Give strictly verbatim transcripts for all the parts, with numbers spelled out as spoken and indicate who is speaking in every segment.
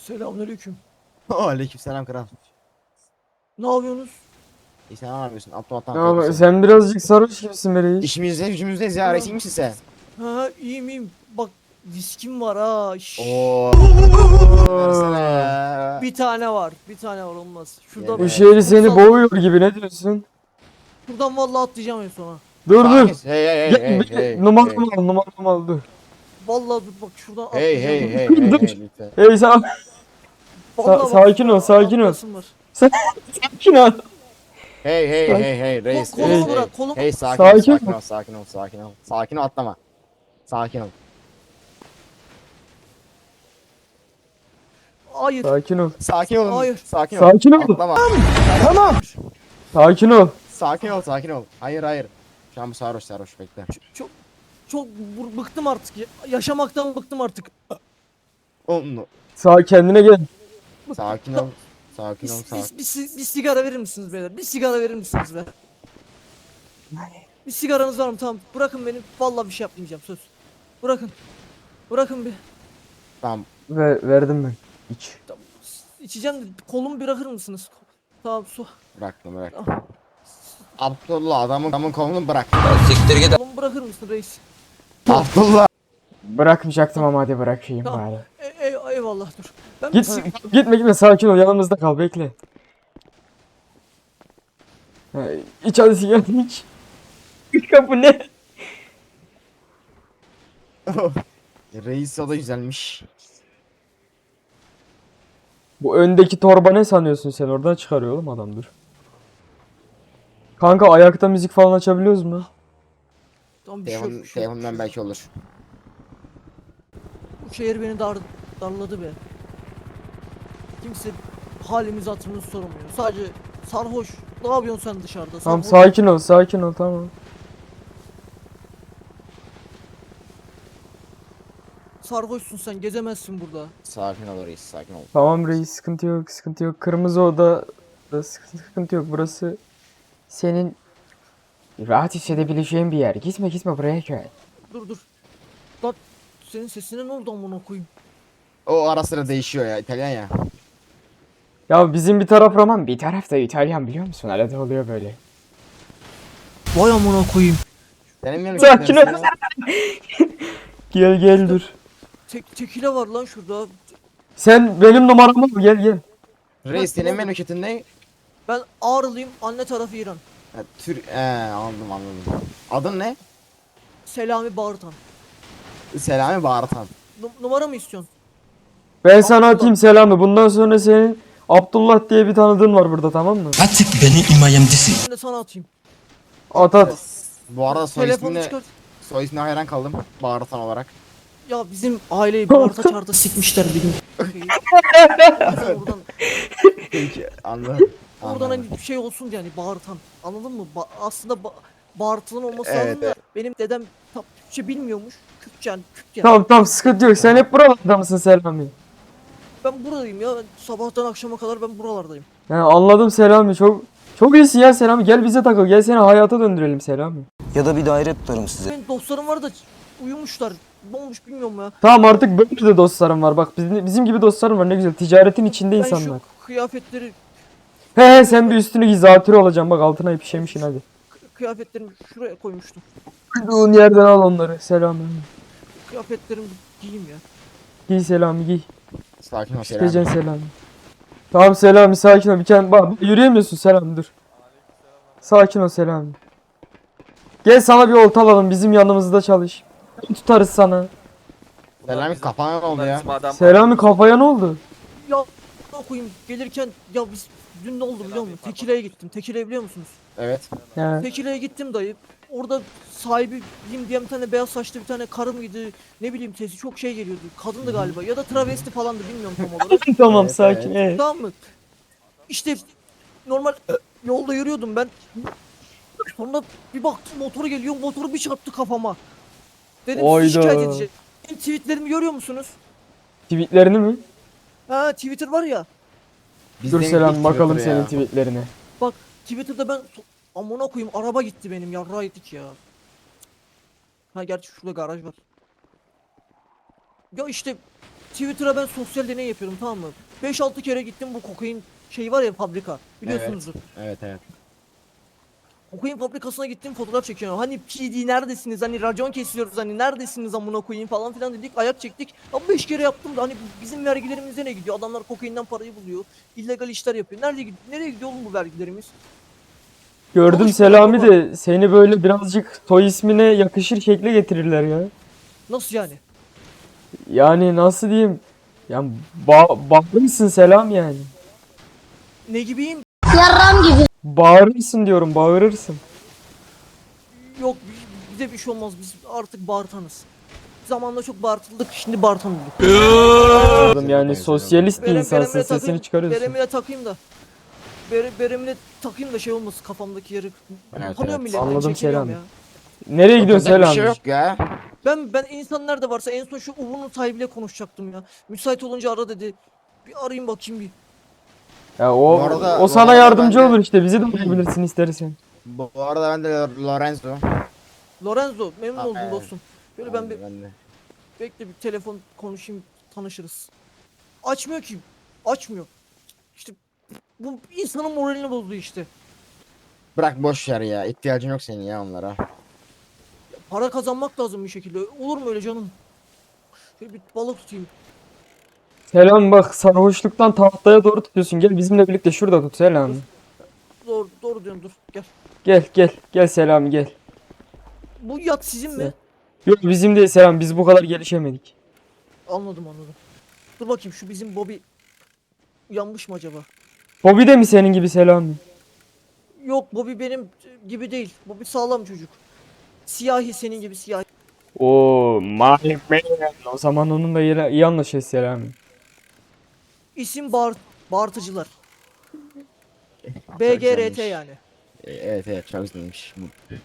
Speaker 1: Selamünaleyküm.
Speaker 2: Aleykümselam kral.
Speaker 1: Ne yapıyorsunuz?
Speaker 2: İyi sen ne yapıyorsun? Abdülhat'tan
Speaker 3: Ya bak,
Speaker 2: korkuyorsun.
Speaker 3: sen birazcık sarhoş gibisin be reis.
Speaker 2: İşimizde gücümüzdeyiz ya. Reis iyi misin sen?
Speaker 1: Ha iyiyim iyiyim. Bak viskim var ha. Şşş.
Speaker 2: Oo. Versene ya.
Speaker 1: Bir tane var. Bir tane var olmaz. Şuradan,
Speaker 3: Bu
Speaker 2: Evet.
Speaker 3: şehri seni
Speaker 1: Kutsal-
Speaker 3: boğuyor gibi, ne diyorsun?
Speaker 1: Şuradan vallahi atlayacağım en sona.
Speaker 3: Dur dur.
Speaker 2: Sakin. Hey hey hey
Speaker 3: Gel,
Speaker 2: hey
Speaker 3: bir-
Speaker 2: hey.
Speaker 3: numaramı al, numaramı al, dur.
Speaker 1: Vallahi dur bak şuradan
Speaker 2: Hey
Speaker 1: atlayacağım.
Speaker 2: hey hey hey
Speaker 3: Dur.
Speaker 2: hey lütfen.
Speaker 3: Hey sen
Speaker 1: Vallahi
Speaker 3: Sa-
Speaker 1: bak,
Speaker 3: sakin ol, sakin ol.
Speaker 1: atlasım var.
Speaker 3: sakin ol.
Speaker 2: Hey hey
Speaker 3: Sakin.
Speaker 2: hey hey reis.
Speaker 1: Kolumu
Speaker 2: reis,
Speaker 1: bırak,
Speaker 2: hey.
Speaker 1: kolumu-
Speaker 2: Hey sakin
Speaker 3: Sakin
Speaker 2: ol sakin
Speaker 3: ol.
Speaker 2: ol sakin ol sakin ol. Sakin ol atlama. Sakin ol.
Speaker 1: Hayır.
Speaker 3: Sakin ol.
Speaker 2: Sakin ol.
Speaker 1: Hayır.
Speaker 2: Sakin ol.
Speaker 3: Sakin ol.
Speaker 2: Atlama.
Speaker 3: Tamam. Sakin ol.
Speaker 2: Sakin ol sakin ol. Hayır hayır. Şu an bu sarhoş sarhoş bekle.
Speaker 1: Çok çok bu- bıktım artık. ya- Yaşamaktan bıktım artık.
Speaker 2: Onu.
Speaker 3: Sağ kendine gel.
Speaker 2: Sakin ol. Sakin
Speaker 1: Bir,
Speaker 2: ol sakin.
Speaker 1: bir, bir, si- bir sigara verir misiniz beyler? Bir sigara verir misiniz be? Bir sigaranız var mı? Tamam. Bırakın beni. Vallahi bir şey yapmayacağım söz. Bırakın. Bırakın bir.
Speaker 2: Tamam.
Speaker 3: Ver, verdim ben. İç.
Speaker 1: Tamam. İçeceğim de kolumu bırakır mısınız? Tamam su.
Speaker 2: Bıraktım bırak.
Speaker 1: Tamam.
Speaker 2: Abdullah adamın adamın kolunu bırak.
Speaker 1: Kolumu bırakır mısın reis?
Speaker 2: Abdullah.
Speaker 3: Bırakmayacaktım ama hadi bırakayım
Speaker 1: Tamam.
Speaker 3: bari.
Speaker 1: E, e, eyvallah dur. Ben
Speaker 3: Git, gitme gitme, sakin ol, yanımızda kal, bekle. Ha, İç hadi sigaranı iç. İç kapı ne?
Speaker 2: Reis o da güzelmiş.
Speaker 3: Bu öndeki torba ne sanıyorsun sen? Oradan çıkarıyor oğlum adam, dur. Kanka ayakta müzik falan açabiliyoruz mu?
Speaker 1: Tamam bir şey yok.
Speaker 2: Telefon,
Speaker 1: bir şey yok, bir
Speaker 2: telefondan
Speaker 1: şey yok.
Speaker 2: belki olur.
Speaker 1: Bu şehir beni dar, darladı be. Kimse halimiz hatırımız sormuyor. Sadece sarhoş. Ne yapıyorsun sen dışarıda?
Speaker 3: Tamam
Speaker 1: Sarhoş.
Speaker 3: sakin ol, sakin ol, tamam.
Speaker 1: Sarhoşsun sen gezemezsin burada.
Speaker 2: Sakin ol reis sakin ol.
Speaker 3: Tamam reis, sıkıntı yok, sıkıntı yok. Kırmızı oda da sıkıntı, sıkıntı yok. Burası senin rahat hissedebileceğin bir yer. Gitme gitme, buraya gel.
Speaker 1: Dur dur. Lan senin sesine ne oldu amına koyayım?
Speaker 2: O ara sıra değişiyor ya İtalyan ya.
Speaker 3: Ya bizim bir taraf Roman, bir taraf da İtalyan, biliyor musun? Arada oluyor böyle.
Speaker 1: Vay amına koyayım.
Speaker 2: Senin mi
Speaker 3: Sakin ol. Gel gel dur.
Speaker 1: Tek tekile var lan şurada.
Speaker 3: Sen benim numaramı al, gel gel.
Speaker 2: Reis senin memleketin ne?
Speaker 1: Ben Ağrılıyım. Anne tarafı İran.
Speaker 2: Ha, Tür... Ee, anladım anladım. Adın ne?
Speaker 1: Selami Bağırtan.
Speaker 2: Selami Bağırtan.
Speaker 1: Nu- numara mı istiyorsun?
Speaker 3: Ben sana
Speaker 1: Abdullah.
Speaker 3: atayım selamı. Bundan sonra senin Abdullah diye bir tanıdığın var burada, tamam mı?
Speaker 4: Artık beni imayemdesin.
Speaker 1: Ben de sana atayım.
Speaker 3: At at.
Speaker 2: Bu arada soy
Speaker 1: Telefonu
Speaker 2: ismine,
Speaker 1: çıkart.
Speaker 2: soy ismine hayran kaldım. Bağırtan olarak.
Speaker 1: Ya bizim aileyi bağırta çağırta sikmişler bir gün. Oradan,
Speaker 2: Peki anladım.
Speaker 1: oradan
Speaker 2: Anladım.
Speaker 1: hani bir şey olsun diye hani bağırtan. Anladın mı? Ba- aslında ba- bağırtılan olması
Speaker 2: Evet,
Speaker 1: lazım da
Speaker 2: evet.
Speaker 1: benim dedem tam Türkçe bilmiyormuş. Kürtçe yani Kürt yani.
Speaker 3: Tamam tamam, sıkıntı yok. Sen hep buralarda mısın Selami?
Speaker 1: Ben buradayım ya. Ben sabahtan akşama kadar ben buralardayım.
Speaker 3: Yani anladım Selami. Çok çok iyisin ya Selami. Gel bize takıl. Gel seni hayata döndürelim Selami.
Speaker 4: Ya da bir daire tutarım size.
Speaker 1: Benim dostlarım var da uyumuşlar. Ne olmuş bilmiyorum ya.
Speaker 3: Tamam, artık böyle de dostlarım var. Bak bizim, bizim gibi dostlarım var, ne güzel. Ticaretin içinde
Speaker 1: Ben
Speaker 3: insanlar.
Speaker 1: şu kıyafetleri
Speaker 3: He he, sen bir üstünü giy, zatürre olacağım. Bak altına ipişemişsin hadi.
Speaker 1: kıyafetlerimi şuraya koymuştum.
Speaker 3: Uyduğun yerden al onları Selami.
Speaker 1: Kıyafetlerimi giyeyim ya.
Speaker 3: Giy Selami, giy.
Speaker 2: Sakin ol Selami.
Speaker 3: Gecen Selami. Tamam Selami, sakin ol. Bir kere bak, yürüyemiyorsun Selami, dur. Sakin ol Selami. Gel sana bir olta alalım, bizim yanımızda çalış. Tutarız sana.
Speaker 2: Selami kafana ne oldu ya?
Speaker 3: Selami kafaya ne oldu?
Speaker 1: Ya ne koyayım gelirken ya biz dün ne oldu biliyor musun? Tekile'ye gittim. Tekile'yi biliyor musunuz?
Speaker 2: Evet.
Speaker 3: He.
Speaker 1: Tekile'ye gittim dayı. Orada sahibiyim diye bir tane beyaz saçlı bir tane karı mıydı? Ne bileyim sesi çok şey geliyordu. Kadındı galiba ya da travesti falandı bilmiyorum tam olarak.
Speaker 3: Tamam
Speaker 2: Evet,
Speaker 3: sakin.
Speaker 2: evet.
Speaker 3: ee.
Speaker 1: Tamam mı? İşte normal yolda yürüyordum ben. Sonra bir baktım motoru geliyor. Motoru bir çarptı kafama. Dedim
Speaker 3: Oyda.
Speaker 1: sizi şikayet edeceğim. Benim tweetlerimi görüyor musunuz?
Speaker 3: Tweetlerini mi?
Speaker 1: Ha Twitter var ya.
Speaker 3: Dur
Speaker 2: Bizden
Speaker 3: Selami,
Speaker 2: ilk
Speaker 3: bakalım
Speaker 2: Twitter
Speaker 3: senin
Speaker 2: ya.
Speaker 3: tweetlerine.
Speaker 1: Bak Twitter'da ben so- amına koyayım araba gitti benim yarrağı yedik ya. Ha gerçi şurada garaj var. Ya işte Twitter'a ben sosyal deney yapıyorum, tamam mı? beş altı kere gittim, bu kokain şeyi var ya, fabrika. Biliyorsunuzdur.
Speaker 2: Evet evet.
Speaker 1: Kokain fabrikasına gittim, fotoğraf çekiyorum. Hani P D neredesiniz? Hani racon kesiyoruz, hani neredesiniz amına koyayım falan filan dedik. Ayak çektik. Ama beş kere yaptım da hani bizim vergilerimize ne gidiyor? Adamlar kokainden parayı buluyor. İllegal işler yapıyor. Nerede gidiyor? Nereye gidiyor oğlum bu vergilerimiz?
Speaker 3: Gördüm
Speaker 1: Konuşmuyor
Speaker 3: Selami
Speaker 1: baba.
Speaker 3: de seni böyle birazcık soy ismine yakışır şekle getirirler ya.
Speaker 1: Nasıl yani?
Speaker 3: Yani nasıl diyeyim? Yani ba bağırırsın Selam yani.
Speaker 1: Ne gibiyim?
Speaker 3: Bağırırsın diyorum, bağırırsın.
Speaker 1: Yok, bize bir şey olmaz. Biz artık bağırtanız. Zamanla çok bağırtıldık, şimdi bağırtan olduk.
Speaker 3: Oğlum yani sosyalist bir
Speaker 1: Berem-
Speaker 3: insansın,
Speaker 1: beremle
Speaker 3: sesini
Speaker 1: takayım-
Speaker 3: çıkarıyorsun.
Speaker 1: Beremle takayım da. Bere, beremle takayım da şey olmasın, kafamdaki yarık.
Speaker 2: Evet,
Speaker 1: Tanıyorum
Speaker 2: evet.
Speaker 1: milletten,
Speaker 3: Anladım
Speaker 1: çekiliyorum
Speaker 3: Selam.
Speaker 1: ya.
Speaker 3: Nereye gidiyorsun
Speaker 2: Yapacak bir şey
Speaker 3: Selam?
Speaker 2: yok ya.
Speaker 1: Ben ben insan nerede varsa en son şu Uğur'un sahibiyle konuşacaktım ya. Müsait olunca ara dedi. Bir arayayım bakayım bir.
Speaker 3: Ya o
Speaker 2: Bu arada-
Speaker 3: o
Speaker 2: bu
Speaker 3: sana
Speaker 2: arada
Speaker 3: yardımcı
Speaker 2: ben de-
Speaker 3: olur işte, bizi de bulabilirsin istersen.
Speaker 2: Bu bu arada ben de Lorenzo.
Speaker 1: Lorenzo, memnun
Speaker 2: Aa,
Speaker 1: oldum
Speaker 2: evet.
Speaker 1: dostum. Böyle ben bir
Speaker 2: ben de.
Speaker 1: bekle, bir telefon konuşayım, tanışırız. Açmıyor ki. Açmıyor. İşte bu insanın moralini bozdu işte.
Speaker 2: Bırak boş ver ya. İhtiyacın yok senin ya onlara.
Speaker 1: Para kazanmak lazım bir şekilde. Olur mu öyle canım? Şöyle bir balık tutayım.
Speaker 3: Selam bak, sarhoşluktan tahtaya doğru tutuyorsun. Gel bizimle birlikte şurada tut Selam.
Speaker 1: Doğru, doğru diyorsun, dur gel.
Speaker 3: Gel gel gel Selam gel.
Speaker 1: Bu yat sizin mi?
Speaker 3: Yok bizim değil Selam, biz bu kadar gelişemedik.
Speaker 1: Anladım anladım. Dur bakayım, şu bizim Bobby uyanmış mı acaba?
Speaker 3: Bobby de mi senin gibi Selam?
Speaker 1: Yok, Bobby benim gibi değil. Bobby sağlam çocuk. Siyahi, senin gibi siyahi.
Speaker 3: Oo maalesef be. O zaman onunla iyi, iyi anlaşırız Selam.
Speaker 1: İsim bağır, bağırtıcılar.
Speaker 2: Çok
Speaker 1: B G R T
Speaker 2: güzelmiş.
Speaker 1: yani.
Speaker 2: E, Evet evet çok güzelmiş.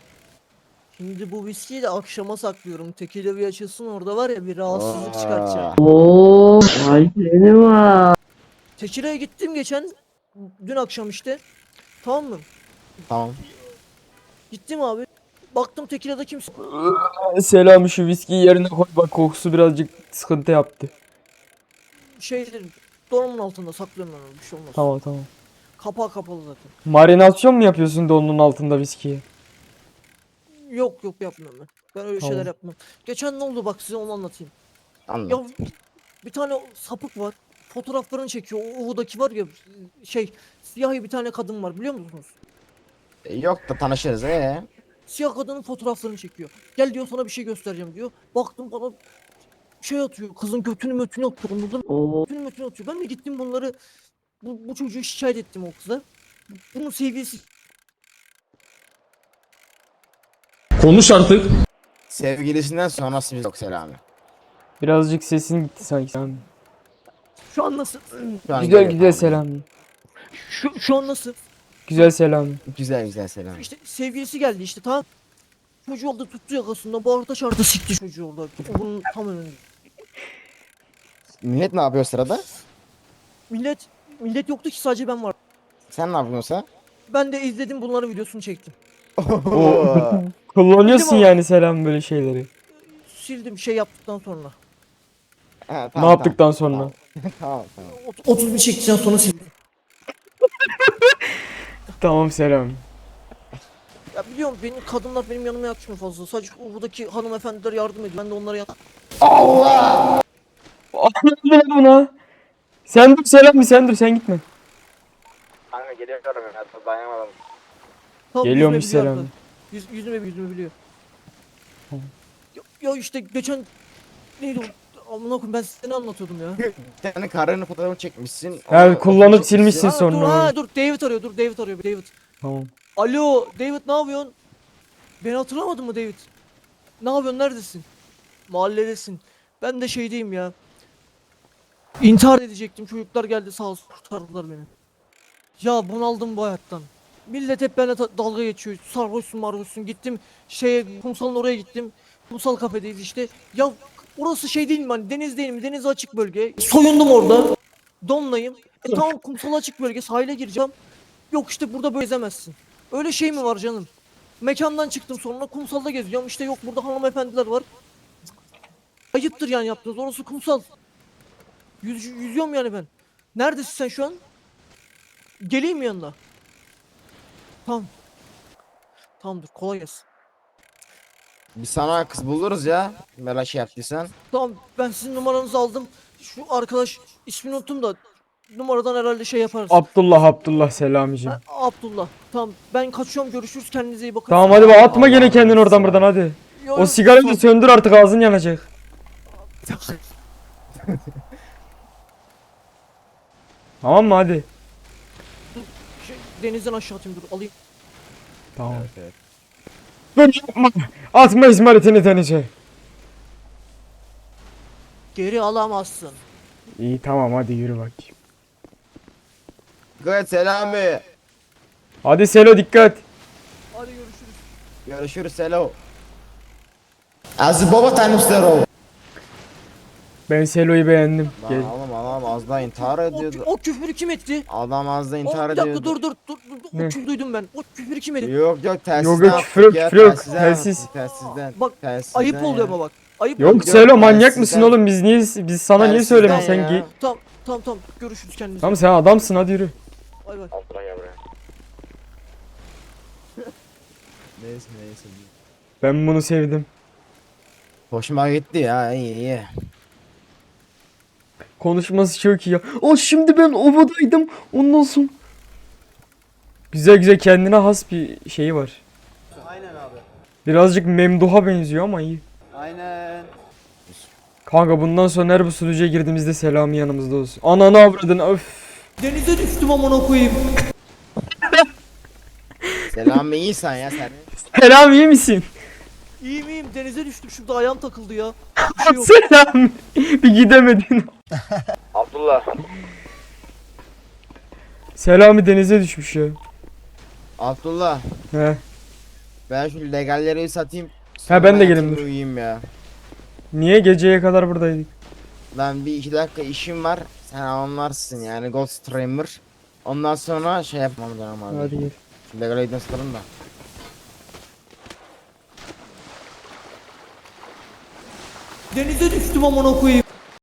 Speaker 1: Şimdi bu viskiyi de akşama saklıyorum. Tekile bir açılsın, orada var ya bir rahatsızlık
Speaker 2: Aa.
Speaker 1: çıkartacağım.
Speaker 5: Oo, ay seni var.
Speaker 1: Tekile'ye gittim geçen. Dün akşam işte. Tamam mı?
Speaker 2: Tamam.
Speaker 1: Gittim abi. Baktım Tekile'de kimse.
Speaker 3: Selam şu viskiyi yerine koy, bak kokusu birazcık sıkıntı yaptı.
Speaker 1: Şeydir. Donumun altında saklıyorum ben onu. Bir şey olmaz.
Speaker 3: Tamam tamam.
Speaker 1: Kapağı kapalı zaten.
Speaker 3: Marinasyon mu yapıyorsun da onun altında viskiyi?
Speaker 1: Yok yok, yapmıyorum ben. Ben öyle
Speaker 3: Tamam.
Speaker 1: şeyler yapmam. Geçen ne oldu bak, size onu anlatayım.
Speaker 2: Anladım.
Speaker 1: Ya bir tane sapık var. Fotoğraflarını çekiyor. O Uğur'daki var ya, şey, siyahi bir tane kadın var, biliyor musunuz?
Speaker 2: E, Yok da tanışırız ee.
Speaker 1: Siyah kadının fotoğraflarını çekiyor. Gel diyor, sana bir şey göstereceğim diyor. Baktım bana şey atıyor. Kızın götünü mötünü atıyor. Anladın mı?
Speaker 5: Oo,
Speaker 1: Götünü mötünü atıyor. Ben de gittim bunları, bu, bu çocuğu şikayet ettim o kıza. Bunun sevgilisi
Speaker 6: Konuş artık.
Speaker 2: Sevgilisinden sonrası biz yok Selami.
Speaker 3: Birazcık sesin gitti sanki Selam.
Speaker 1: şu an nasıl?
Speaker 2: Şu an
Speaker 3: Güzel
Speaker 2: geliyor,
Speaker 3: güzel
Speaker 2: tamam.
Speaker 3: Selam.
Speaker 1: Şu, şu an nasıl?
Speaker 3: Güzel Selam.
Speaker 2: Güzel güzel Selami.
Speaker 1: İşte sevgilisi geldi işte, tamam. Çocuğu aldı, tuttu yakasında, bağırta çağırta sikti çocuğu orada. Bunun tam önünde.
Speaker 2: Millet ne yapıyor sırada?
Speaker 1: Millet millet yoktu ki, sadece ben var.
Speaker 2: Sen ne yapıyorsun?
Speaker 1: Ben de izledim, bunların videosunu çektim.
Speaker 2: Oo.
Speaker 3: Kullanıyorsun
Speaker 1: Dedim o-
Speaker 3: yani Selam böyle şeyleri.
Speaker 1: Sildim şey yaptıktan sonra.
Speaker 2: Ha,
Speaker 3: Ne
Speaker 2: tamam,
Speaker 3: yaptıktan sonra?
Speaker 2: Tamam tamam. tamam.
Speaker 1: Ot- otuz bir çektikten sonra sildim.
Speaker 3: Tamam Selam.
Speaker 1: Ya biliyorum, benim kadınlar benim yanıma yakışmıyor fazla. Sadece buradaki hanımefendiler yardım ediyor. Ben de onlara yan...
Speaker 3: Ne lan buna? Sen dur Selam, sen dur, sen gitme.
Speaker 2: Kanka geliyorum ya, dayanamadım.
Speaker 1: Tamam,
Speaker 3: Geliyormuş
Speaker 1: yüzme biliyor
Speaker 3: Selam.
Speaker 1: hatta. Yüz, yüzme yüzme biliyor. Ya, ya işte geçen neydi o? Amına koyayım, ben size ne anlatıyordum ya?
Speaker 2: Bir tane karının fotoğrafını çekmişsin.
Speaker 3: Yani
Speaker 2: onu-
Speaker 3: kullanıp
Speaker 2: onu çekmişsin.
Speaker 3: silmişsin
Speaker 1: Ha,
Speaker 3: sonra.
Speaker 1: dur ha dur, David arıyor, dur David arıyor, David.
Speaker 3: Tamam.
Speaker 1: Alo David, ne yapıyorsun? Beni hatırlamadın mı David? Ne yapıyorsun, neredesin? Mahalledesin. Ben de şeydeyim ya. İntihar edecektim, çocuklar geldi sağ olsun kurtardılar beni. Ya bunaldım bu hayattan. Millet hep benimle ta- dalga geçiyor. Sarhoşsun marhoşsun. Gittim şeye, kumsalın oraya gittim. Kumsal kafedeyiz işte. Ya orası şey değil mi, hani deniz değil mi? Deniz açık bölge. Soyundum orada. Donlayım. E tamam, kumsal açık bölge, sahile gireceğim. Yok işte burada böyle ezemezsin. Öyle şey mi var canım? Mekandan çıktım, sonra kumsalda geziyorum. İşte yok burada hanımefendiler var. Ayıptır yani yaptınız. Orası kumsal. Yüz, yüzüyorum yani ben. Neredesin sen şu an? Geleyim mi yanına? Tamam. Tamamdır, kolay gelsin.
Speaker 2: Biz sana kız buluruz ya. Böyle şey yaptıysan.
Speaker 1: Tamam, ben sizin numaranızı aldım. Şu arkadaş ismini unuttum da numaradan herhalde şey yaparız.
Speaker 3: Abdullah Abdullah Selamicim.
Speaker 1: Ha, Abdullah. Tamam, ben kaçıyorum, görüşürüz, kendinize iyi bakın.
Speaker 3: Tamam hadi bak atma
Speaker 2: Allah
Speaker 3: gene kendini
Speaker 2: Allah.
Speaker 3: oradan buradan hadi.
Speaker 1: Yo,
Speaker 3: O
Speaker 1: yo,
Speaker 3: sigarayı da
Speaker 1: tamam.
Speaker 3: söndür artık ağzın yanacak. Tamam mı hadi?
Speaker 1: Şey, denizden aşağı atayım, dur alayım.
Speaker 3: Tamam. Dur yapma. Atma İsmail'ini denize.
Speaker 1: Geri alamazsın.
Speaker 3: İyi tamam hadi yürü bakayım.
Speaker 2: Gayet Selami.
Speaker 3: Hadi Selo dikkat.
Speaker 1: Hadi görüşürüz.
Speaker 2: Görüşürüz Selo. Az baba tanım Selo.
Speaker 3: Ben Selo'yu beğendim.
Speaker 2: Lan
Speaker 3: Gel.
Speaker 2: oğlum adam az daha intihar
Speaker 1: O,
Speaker 2: ediyordu.
Speaker 1: o küfürü kim etti?
Speaker 2: Adam az da
Speaker 1: O,
Speaker 2: intihar
Speaker 1: bir dakika
Speaker 2: ediyordu.
Speaker 1: dur dur dur. dur, dur.
Speaker 3: Ne?
Speaker 1: O küfür duydum ben. O küfürü kim etti?
Speaker 2: Yok yok telsizden
Speaker 3: Yok, yok,
Speaker 2: attık
Speaker 3: küfür yok,
Speaker 2: ya,
Speaker 3: küfür yok.
Speaker 2: telsizden
Speaker 3: Telsiz.
Speaker 2: attık, Telsizden.
Speaker 1: Bak,
Speaker 2: Telsizden
Speaker 1: ayıp oluyor
Speaker 2: ya.
Speaker 1: ama bak. Ayıp
Speaker 3: Yok
Speaker 1: oluyor.
Speaker 3: Selo manyak
Speaker 2: telsizden-
Speaker 3: mısın oğlum biz niye biz sana niye
Speaker 2: Telsizden
Speaker 3: söylemedin sen
Speaker 2: ya.
Speaker 3: git.
Speaker 1: Tamam tamam tamam, görüşürüz, kendinize.
Speaker 3: Tamam sen adamsın hadi yürü.
Speaker 1: Bay bay.
Speaker 2: Neyse neyse.
Speaker 3: Ben bunu sevdim.
Speaker 2: Hoşuma gitti ya, iyi iyi.
Speaker 3: Konuşması çok iyi ya. O şimdi ben ovadaydım. Ondan sonra. Güzel güzel kendine has bir şeyi var.
Speaker 7: Aynen abi.
Speaker 3: Birazcık Memduh'a benziyor ama iyi.
Speaker 7: Aynen.
Speaker 3: Kanka bundan sonra her bu sunucuya girdiğimizde Selami yanımızda olsun. Ananı avradın öf.
Speaker 1: Denize düştüm amına koyayım.
Speaker 2: Selami iyisin ya sen.
Speaker 3: Selami iyi misin?
Speaker 1: İyiyim iyiyim, denize düştüm, şurada ayağım takıldı ya. Bir şey yok.
Speaker 3: Selami. Bir gidemedin.
Speaker 8: Abdullah.
Speaker 3: Selami denize düşmüş ya.
Speaker 2: Abdullah,
Speaker 3: He.
Speaker 2: ben şu legalleri satayım.
Speaker 3: Ha, ben de
Speaker 2: sonra
Speaker 3: geleyim,
Speaker 2: yatayım,
Speaker 3: dur.
Speaker 2: Uyuyayım ya.
Speaker 3: Niye geceye kadar buradaydık?
Speaker 2: Lan bir iki dakika işim var. Sen anlarsın yani, Gold Streamer. Ondan sonra şey yapmam lazım abi.
Speaker 3: Hadi gel.
Speaker 2: Şu legalleri satalım da.
Speaker 1: Denize düştüm amına koyayım.